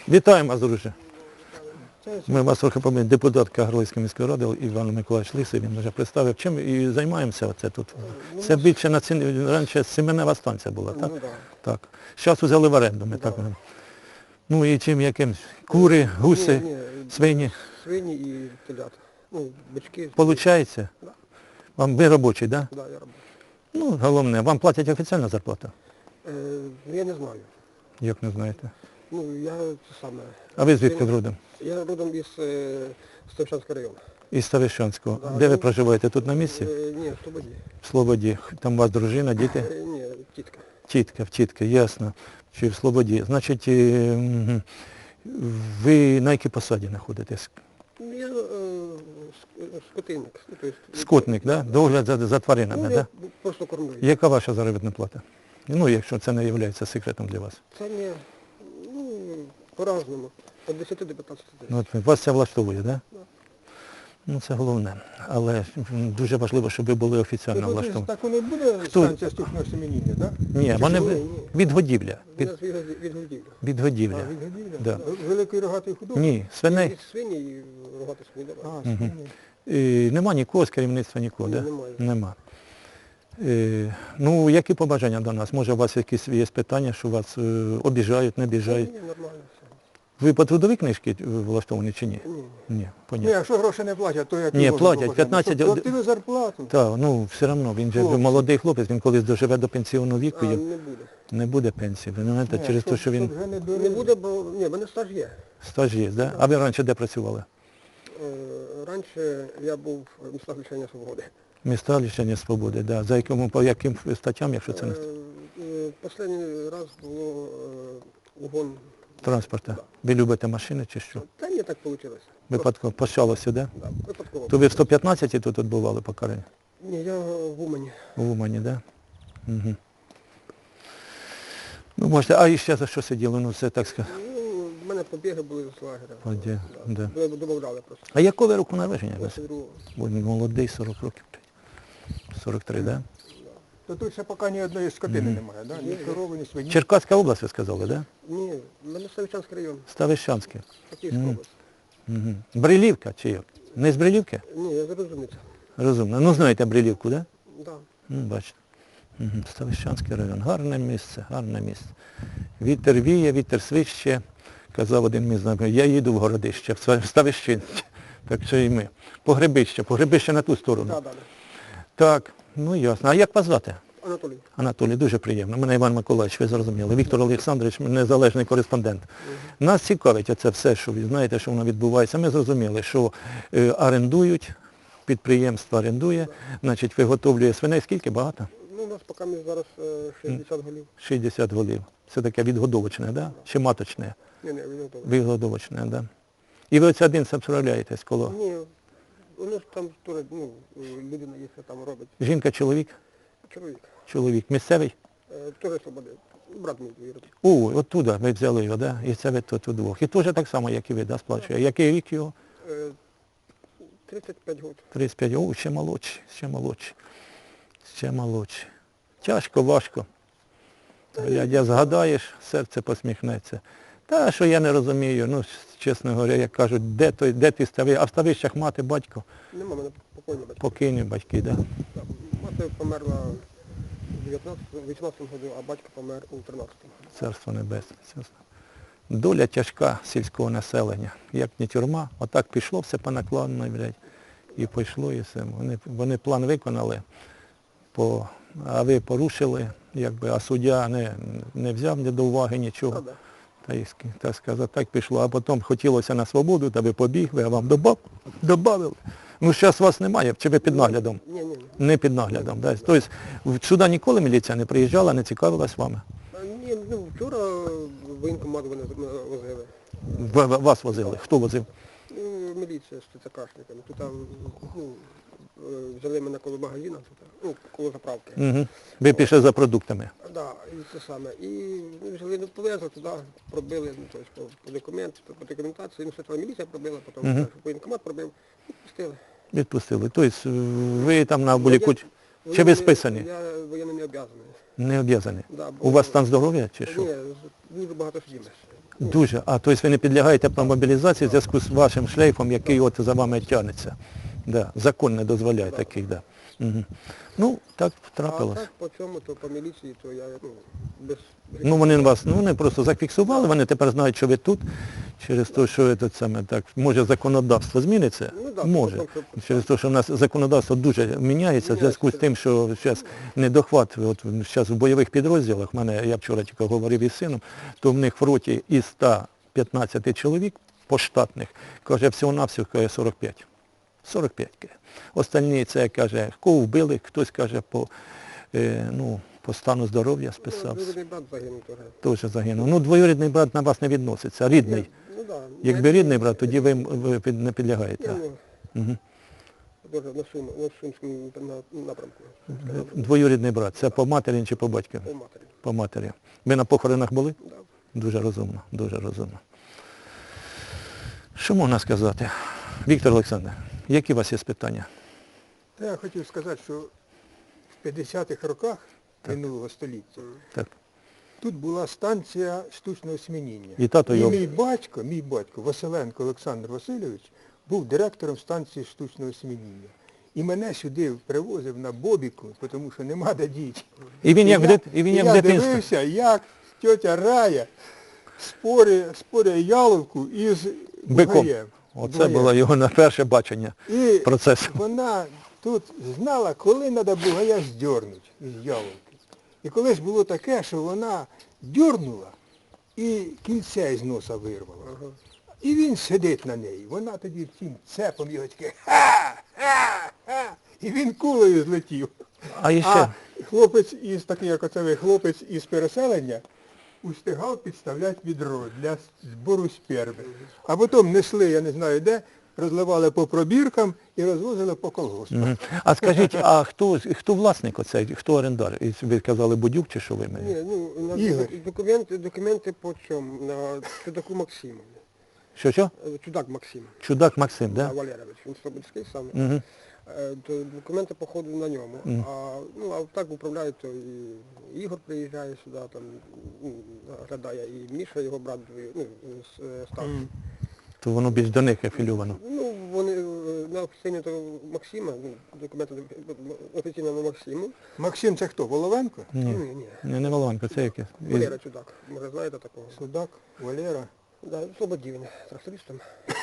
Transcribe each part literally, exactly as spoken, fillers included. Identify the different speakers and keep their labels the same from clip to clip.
Speaker 1: Вітаємо вас, друже. Ми вас трохи пам'ятаємо, депутат Кагарлицької міської ради Іван Миколаївич Лисий, він вже представив. Чим і займаємося оце тут? Це більше на ціні, раніше семенева станція була, так?
Speaker 2: Ну, да.
Speaker 1: Так. Зараз взяли в оренду, ми так. Ну і чим яким? Кури, гуси,
Speaker 2: Ні, ні,
Speaker 1: свині.
Speaker 2: Свині і телята. Ну, бички.
Speaker 1: Получається?
Speaker 2: Да.
Speaker 1: Вам ви робочий, так?
Speaker 2: Да, я робочий.
Speaker 1: Ну, головне, вам платять офіційну зарплату?
Speaker 2: Е, я не знаю.
Speaker 1: Як не знаєте?
Speaker 2: Ну, я це саме.
Speaker 1: А ви звідки родом?
Speaker 2: Я родом із е, Ставищенського району.
Speaker 1: Із Ставищенського.
Speaker 2: Да.
Speaker 1: Де ви проживаєте? Тут на місці?
Speaker 2: Е, ні, в Слободі.
Speaker 1: В Слободі. Там у вас дружина, діти?
Speaker 2: Е, ні, тітка.
Speaker 1: Тітка, в тітки, ясно. Чи в Слободі. Значить, е, ви на якій посаді знаходитесь?
Speaker 2: Я е, ск- скотинник. Ну, то есть,
Speaker 1: Скотник, да? Догляд за, за тваринами,
Speaker 2: Ну,
Speaker 1: да?
Speaker 2: я просто кормлю.
Speaker 1: Яка ваша заробітна плата? Ну, якщо це не є секретом для вас.
Speaker 2: Це не, ну, по-разному. Від десяти до п'ятнадцяти тисяч.
Speaker 1: Ну, от вас це влаштовує, так? Да?
Speaker 2: Да.
Speaker 1: Ну, це головне. Але м, дуже важливо, щоб ви були офіційно
Speaker 3: Ну,
Speaker 1: влаштовані.
Speaker 3: так воно буде
Speaker 1: Хто?
Speaker 3: станція штучного семеніння, так?
Speaker 1: Ні, вони
Speaker 2: ні,
Speaker 1: ви-
Speaker 2: ні.
Speaker 1: від годівля.
Speaker 2: Від,
Speaker 1: Від,
Speaker 2: від, від годівлі.
Speaker 1: від
Speaker 3: А,
Speaker 1: годівля.
Speaker 3: від годівля?
Speaker 1: Да.
Speaker 3: Великої рогатої худоби?
Speaker 1: Ні, свиней.
Speaker 2: Від свині і рогати свині.
Speaker 3: А,
Speaker 2: давай.
Speaker 3: свині.
Speaker 1: І нема нікого з керівництва нікого,
Speaker 2: Ні,
Speaker 1: так?
Speaker 2: немає.
Speaker 1: Нема. Е, ну, які побажання до нас? Може, у вас якісь є питання, що вас е, обіжають, не обіжають?
Speaker 2: Ні, нормально все.
Speaker 1: Ви по трудовій книжці влаштовані чи ні?
Speaker 2: Ні.
Speaker 1: Ні,
Speaker 3: Ні,
Speaker 1: понятно.
Speaker 3: якщо гроші не платять, то як
Speaker 1: Ні,
Speaker 3: його
Speaker 1: платять,
Speaker 3: можна?
Speaker 1: п'ятнадцять
Speaker 3: Щоб платили зарплату.
Speaker 1: Так, ну все одно, він же
Speaker 3: Хлопці.
Speaker 1: молодий хлопець, він колись доживе до пенсійного віку,
Speaker 2: А,
Speaker 1: і
Speaker 2: не буде.
Speaker 1: не буде пенсії. Ви знаєте,
Speaker 3: Ні,
Speaker 1: через те,
Speaker 3: щоб-
Speaker 1: що він
Speaker 3: щоб вже не
Speaker 2: Не
Speaker 3: дурили.
Speaker 2: буде, бо ні, в мене стаж є.
Speaker 1: стаж є, да? А ви раніше де працювали?
Speaker 2: Е, раніше я був в містах лишення свободи.
Speaker 1: Міста лишення свободи, да. За якому, по яким статтям, якщо це не
Speaker 2: Е, е, Останній раз було е, угон.
Speaker 1: транспорту?
Speaker 2: Да.
Speaker 1: Ви любите машини чи що?
Speaker 2: Та ні, так вийшло.
Speaker 1: Випадково пощалося, да?
Speaker 2: Да, випадково.
Speaker 1: То ви в сто п'ятнадцятій тут відбували покарання?
Speaker 2: Ні, я в Умані.
Speaker 1: В Умані, да? Угу. Ну, можете, а і ще за що сиділи? Ну, це так сказати.
Speaker 2: Ну, в мене побіги були з лагеря.
Speaker 1: Побіги, да.
Speaker 2: Ви Добавляли просто.
Speaker 1: А якого ви року народження? ви?
Speaker 2: двадцять другого.
Speaker 1: Бо він молодий, сорок років. сорок три, да?
Speaker 3: То тут ще поки ні одної скотини немає, да? Ні корови, ні свині.
Speaker 1: Черкаська область, ви сказали, да?
Speaker 2: Ні, в мене Ставищенський район.
Speaker 1: Ставищанське.
Speaker 2: Київська область.
Speaker 1: Угу. Брилівка чи як? Не з Брилівки?
Speaker 2: Ні, я зрозуміться.
Speaker 1: Розумно. Ну, знаєте Брилівку, да?
Speaker 2: Да.
Speaker 1: Ну, бачите. Угу. Ставищанський район. Гарне місце, гарне місце. Вітер віє, вітер свище. Казав один мій знайомий, я їду в Городище, в Ста- Ставищин. Так що і ми. Погребище, погребище на ту сторону.
Speaker 2: Да, далі.
Speaker 1: Так, ну ясно. А як вас звати?
Speaker 2: Анатолій.
Speaker 1: Анатолій, дуже приємно. Мене Іван Миколаївич, ви зрозуміли. Віктор Олександрович, незалежний кореспондент. Нас цікавить оце все, що ви знаєте, що воно відбувається. Ми зрозуміли, що е, орендують, підприємство орендує, значить виготовлює свиней. Скільки? Багато?
Speaker 2: Ну, у нас поки ми зараз е, шістдесят голів.
Speaker 1: шістдесят голів. Це таке відгодовочне, да? Чи маточне?
Speaker 2: Ні, ні, він готовий.
Speaker 1: Відгодовочне, да? І ви оце один справляєтесь коло.
Speaker 2: Ні, у нас там теж, ну, людина є, що там робить.
Speaker 1: Жінка, чоловік?
Speaker 2: Чоловік.
Speaker 1: Чоловік. Місцевий?
Speaker 2: Е, Теж свободи. Брат мій вірить.
Speaker 1: О, оттуда ви взяли його, да? І це ви тут удвох. І теж так само, як і ви, да, сплачує. Який рік його?
Speaker 2: Е, тридцять п'ять років.
Speaker 1: тридцять п'ять, о, ще молодші, ще молодші. Ще молодші. Тяжко, важко. Глядя, згадаєш, серце посміхнеться. Та, що я не розумію, ну, чесно говоря, як кажуть, де той, де ти стави, а в ставищах мати, батько,
Speaker 2: Нема мене покойні батьки.
Speaker 1: покійні батьки, да?
Speaker 2: Так, мати померла в вісімнадцятому году, а батько помер у тринадцятому.
Speaker 1: Царство небесне. Чесно. Доля тяжка сільського населення. Як не тюрма, отак пішло все по накладно, блядь, і пішло, і все. Вони, вони план виконали, по, а ви порушили, якби, а суддя не, не взяв ні до уваги нічого.
Speaker 2: Правда?
Speaker 1: Та й, ск- так сказати, так пішло. А потім хотілося на свободу, та ви побігли, а вам добав, добавили. Ну, зараз вас немає, чи ви під наглядом?
Speaker 2: Ні, ні, ні.
Speaker 1: Не під наглядом. Да? Тобто в- сюди ніколи міліція не приїжджала, не цікавилась вами?
Speaker 2: А, ні, ну, вчора в воєнкомат вони з- возили.
Speaker 1: В- в- Вас возили? Хто возив?
Speaker 2: Ну, міліція з ТЦКшниками. Тут там, ну, е, взяли мене коло магазину, тут, ну, коло заправки.
Speaker 1: Угу. Ви пішли за продуктами.
Speaker 2: Да, і це саме. І ну, взяли, ну, повезли туди, пробили, ну, тобто, по, по документу, по документації, ну, спочатку міліція пробила, потім
Speaker 1: Мгм.
Speaker 2: воєнкомат пробив, і пустили.
Speaker 1: Відпустили. Тобто ви там на були куч... Чи ви
Speaker 2: Воєнний-
Speaker 1: списані?
Speaker 2: Я воєнно не обов'язаний.
Speaker 1: Не обв'язані.
Speaker 2: Да,
Speaker 1: У вас стан здоров'я чи що?
Speaker 2: Ні, з- дуже багато сиділи.
Speaker 1: Дуже. А, тобто ви не підлягаєте мобілізації в зв'язку з вашим шлейфом, який от за вами тягнеться. Да. Закон не дозволяє таких, да. Угу. Ну, так
Speaker 2: А
Speaker 1: трапилось.
Speaker 2: так по цьому, то по міліції, то я ну, без...
Speaker 1: Ну вони вас, ну вони просто зафіксували, вони тепер знають, що ви тут, через те, що ви тут саме так, може законодавство зміниться?
Speaker 2: Ну, да,
Speaker 1: може.
Speaker 2: тому що-
Speaker 1: Через те, що в нас законодавство дуже міняється в зв'язку з тим, що зараз недохват, от зараз в бойових підрозділах, в мене, я вчора тільки говорив із сином, то в них в роті із ста п'ятнадцяти чоловік поштатних, каже, всього-навсього каже, сорок п'ять. сорок п'ять. Каже. Остальні це, каже, кого вбили, хтось каже, по, е, ну, по стану здоров'я списався.
Speaker 2: Двоюрідний брат загинув теж.
Speaker 1: Теж загинув. Ну, двоюрідний брат на вас не відноситься, рідний.
Speaker 2: Ну, да.
Speaker 1: Якби рідний брат, тоді ви, ви під- не підлягаєте.
Speaker 2: Я, ну,
Speaker 1: Угу.
Speaker 2: Дуже на, Сум, на Сумському на- напрямку.
Speaker 1: Двоюрідний брат. Це по матері чи по батькові?
Speaker 2: По матері.
Speaker 1: По матері. Ви на похоронах були?
Speaker 2: Да.
Speaker 1: Дуже розумно, дуже розумно. Що можна сказати? Віктор Олександр, які у вас є питання?
Speaker 3: Та я хотів сказати, що в п'ятдесятих роках минулого століття
Speaker 1: Так.
Speaker 3: тут була станція штучного смініння.
Speaker 1: І тато
Speaker 3: І
Speaker 1: його...
Speaker 3: мій батько, мій батько, Василенко Олександр Васильович, був директором станції штучного смініння. І мене сюди привозив на бобіку, тому що нема де діти.
Speaker 1: І він як в
Speaker 3: я,
Speaker 1: дит- і він як
Speaker 3: я
Speaker 1: в дитинстві.
Speaker 3: дивився, як тьотя Рая спорює, спорює яловку із
Speaker 1: Биком.
Speaker 3: бугаєм.
Speaker 1: Оце
Speaker 3: Бугаєм.
Speaker 1: було його на перше бачення
Speaker 3: І
Speaker 1: процесу.
Speaker 3: вона тут знала, коли треба бугая здьорнути з яловки. І колись було таке, що вона дьорнула і кільце із носа вирвала.
Speaker 2: Ага.
Speaker 3: І він сидить на неї. Вона тоді втім цепом його таке ха, ха, ха. І він кулею злетів.
Speaker 1: А іще,
Speaker 3: А хлопець із такий, як оце ви, хлопець із переселення, устигав підставляти відро для збору сперми. А потім несли, я не знаю де, розливали по пробіркам і розвозили по колгоспам.
Speaker 1: Мгм. А скажіть, а хто, хто власник оцей, хто орендар? І ви казали Будюк чи що ви
Speaker 2: Ні,
Speaker 1: мені?
Speaker 2: ну, у нас
Speaker 3: Ігор.
Speaker 2: документи, документи по чому? На Чудаку Максиму.
Speaker 1: Що що?
Speaker 2: Е, Чудак Максим.
Speaker 1: Чудак Максим,
Speaker 2: Да?
Speaker 1: да?
Speaker 2: Валерович, він Слободський сам.
Speaker 1: Угу.
Speaker 2: Е, То документи походу на ньому. А, ну, а так управляють, то і Ігор приїжджає сюди, там, ну, глядає, і Міша, його брат, ну, з- е, старший.
Speaker 1: То воно більш до них афілювано.
Speaker 2: Ну, вони е, на офіційно то Максима, ну, документи офіційно на Максиму.
Speaker 3: Максим це хто? Воловенко?
Speaker 1: Ні,
Speaker 2: Ні, ні.
Speaker 1: не, не Волованко, це яке? Із-
Speaker 2: Валера Чудак, може знаєте такого?
Speaker 3: Судак, Валера.
Speaker 2: Да, Слободі він, трактористом.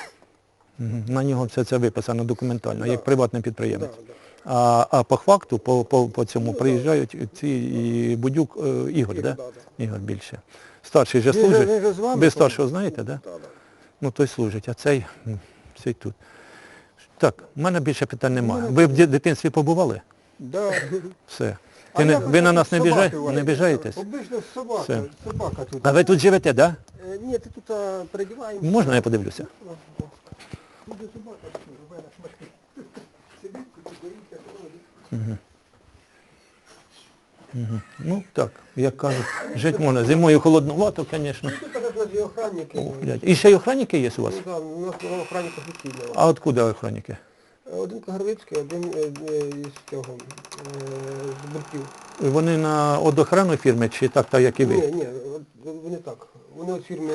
Speaker 1: Мгм. На нього все це виписано документально,
Speaker 2: Да.
Speaker 1: як приватний
Speaker 2: Да,
Speaker 1: підприємець.
Speaker 2: да.
Speaker 1: А, а по факту, по, по, по цьому
Speaker 2: Ну, да.
Speaker 1: приїжджають ці і Будюк, е, Ігор,
Speaker 2: Ігор,
Speaker 1: да?
Speaker 2: да, да.
Speaker 1: Ігор більше. Старший же
Speaker 3: Він же-
Speaker 1: служить.
Speaker 3: він же з вами,
Speaker 1: Ви старшого знаєте, да?
Speaker 2: Да, да.
Speaker 1: Ну той служить, а цей, м, цей тут. Так, в мене більше питань немає. Ви в ді- дитинстві побували?
Speaker 3: Да.
Speaker 1: Все.
Speaker 3: А
Speaker 1: Ти не,
Speaker 3: як
Speaker 1: ви на
Speaker 3: оце
Speaker 1: нас не,
Speaker 3: собаки
Speaker 1: біжай,
Speaker 3: у вас?
Speaker 1: не біжаєтесь?
Speaker 3: Обично собака,
Speaker 1: Все.
Speaker 3: собака тут.
Speaker 1: А ви тут живете, так?
Speaker 2: Е, Ні, ти тут а, передіваємося.
Speaker 1: Да? Можна я подивлюся?
Speaker 3: Тут же собака рве на шматки. Сидить, куди боїться, ходить.
Speaker 1: Ну так, як кажуть, жити можна. Зимою холодновато, звісно.
Speaker 2: Тут теж у нас є охранники.
Speaker 1: Ох, блядь. І ще й охранники є у вас?
Speaker 2: Ну, да, у нас охранник офіційний.
Speaker 1: А откуда охранники?
Speaker 2: Один Кагарлицький, один е, е, із цього, е, з Бурків.
Speaker 1: Вони на од охрану фірми чи так, так як і
Speaker 2: Ні,
Speaker 1: ви?
Speaker 2: ні, от вони так. Вони від фірми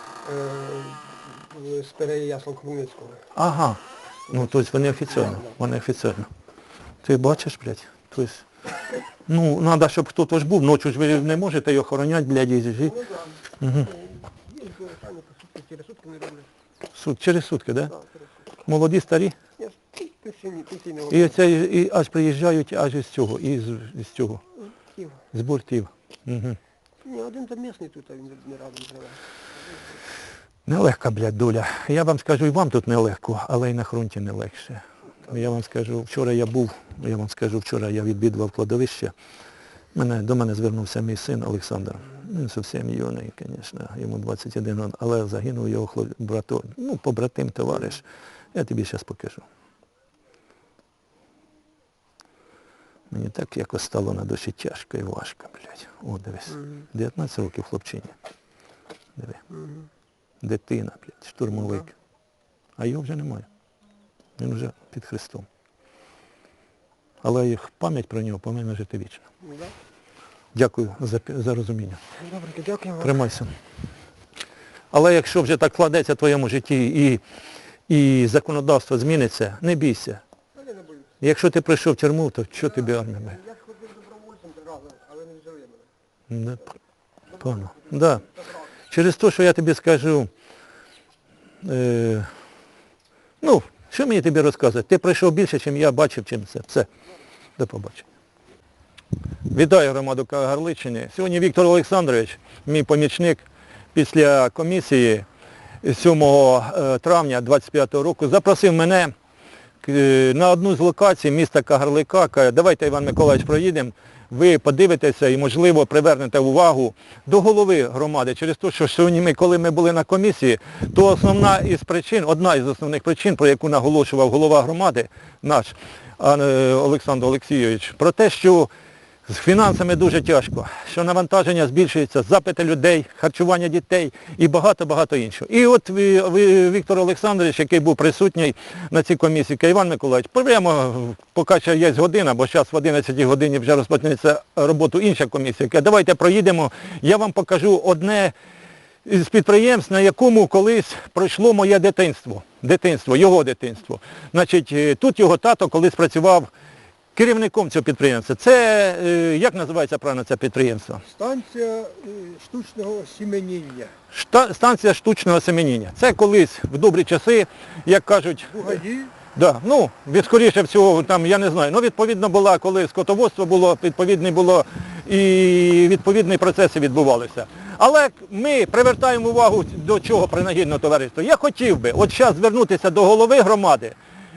Speaker 2: е, з Переяслав Хмельницького.
Speaker 1: Ага. Ну, тобто вони офіційно. Вони офіційно. Ти бачиш, блядь? Тобто, ну, треба, щоб хтось був. Ночі ж ви не можете його охороняти, блядь, і жити.
Speaker 2: Ну так. Угу. Є охранники, сутки, через сутки не роблять.
Speaker 1: Суд, через сутки, так? Да?
Speaker 2: Так, через сутки.
Speaker 1: Молоді, старі?
Speaker 2: Ні, пенсійні, пенсійні
Speaker 1: І оце і аж приїжджають аж із цього, із, із цього,
Speaker 2: Київ.
Speaker 1: з бортів. Угу.
Speaker 2: Ні, один там місний тут, а він не радий живе.
Speaker 1: Нелегка, блядь, доля. Я вам скажу, і вам тут нелегко, але й на фронті не легше. Я вам скажу, вчора я був, я вам скажу, вчора я відвідував кладовище. Мене, до мене звернувся мій син Олександр. Він зовсім юний, звісно, йому двадцять один років, але загинув його хлоп... брато, ну, побратим, товариш. Я тобі зараз покажу. Мені так якось стало на душі тяжко і важко, блядь. О, дивись. дев'ятнадцять років хлопчині. Диви. Дитина, блядь, штурмовик. А його вже немає. Він вже під Христом. Але їх пам'ять про нього повинна жити вічно.
Speaker 2: Ну, да.
Speaker 1: Дякую за, за розуміння.
Speaker 2: Добре, дякую вам.
Speaker 1: Тримайся. Але якщо вже так складеться в твоєму житті і, і законодавство зміниться, не бійся.
Speaker 2: Я не боюсь.
Speaker 1: Якщо ти прийшов в тюрму, то що тобі армія? буде?
Speaker 2: Я ж ходив добровольцем три рази, але не взяли мене.
Speaker 1: Да, певно. Да. Через те, що я тобі скажу, е, ну, що мені тобі розказувати? Ти пройшов більше, ніж я бачив, чим це. Все. До побачення. Вітаю громаду Кагарличини. Сьогодні Віктор Олександрович, мій помічник, після комісії сьомого травня двадцять п'ятого року запросив мене на одну з локацій міста Кагарлика. Каже, давайте, Іван Миколаївич, проїдемо, ви подивитеся і, можливо, привернете увагу до голови громади. Через те, що сьогодні ми, коли ми були на комісії, то основна із причин, одна із основних причин, про яку наголошував голова громади наш Олександр Олексійович, про те, що з фінансами дуже тяжко, що навантаження збільшується, запити людей, харчування дітей і багато-багато іншого. І от ви, ви, Віктор Олександрович, який був присутній на цій комісії, каже, Іван Миколаївич, прямо, поки ще є година, бо зараз в одинадцятій годині вже розпочнеться роботу інша комісія, каже, давайте проїдемо, я вам покажу одне з підприємств, на якому колись пройшло моє дитинство, дитинство, його дитинство. Значить, тут його тато колись працював керівником цього підприємства. Це, як називається правильно це підприємство?
Speaker 3: Станція е, штучного сіменіння.
Speaker 1: Шта, станція штучного семеніння. Це колись в добрі часи, як кажуть,
Speaker 3: Бугаї.
Speaker 1: да, ну, від скоріше всього, там, я не знаю, ну, відповідно була, коли скотоводство було, відповідний було і відповідні процеси відбувалися. Але ми привертаємо увагу до чого принагідного товариства. Я хотів би от зараз звернутися до голови громади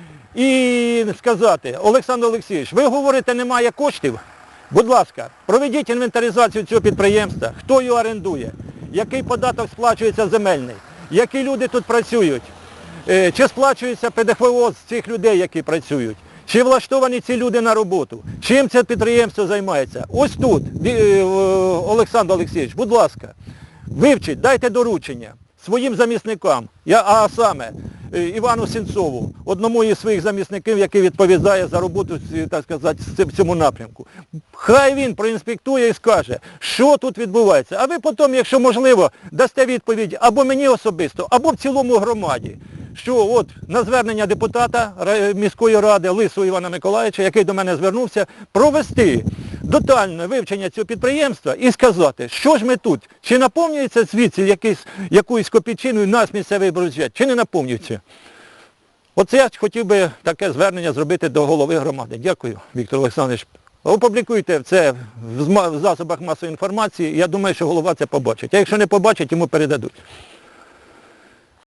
Speaker 1: і сказати, Олександр Олексійович, ви говорите, немає коштів? Будь ласка, проведіть інвентаризацію цього підприємства, хто його орендує, який податок сплачується земельний, які люди тут працюють, чи сплачується ПДФО з цих людей, які працюють, чи влаштовані ці люди на роботу, чим це підприємство займається. Ось тут, Олександр Олексійович, будь ласка, вивчіть, дайте доручення своїм замісникам, я, а саме Івану Сенцову, одному із своїх замісників, який відповідає за роботу, так сказати, в цьому напрямку. Хай він проінспектує і скаже, що тут відбувається. А ви потім, якщо можливо, дасте відповідь або мені особисто, або в цілому громаді, що от на звернення депутата міської ради Лисого Івана Миколаївича, який до мене звернувся, провести детальне вивчення цього підприємства і сказати, що ж ми тут, чи наповнюється звідси якийсь, якоюсь копійчиною наш місцевий бюджет, чи не наповнюється. Оце я хотів би таке звернення зробити до голови громади. Дякую, Віктор Олександрович. Опублікуйте це в засобах масової інформації, я думаю, що голова це побачить. А якщо не побачить, йому передадуть.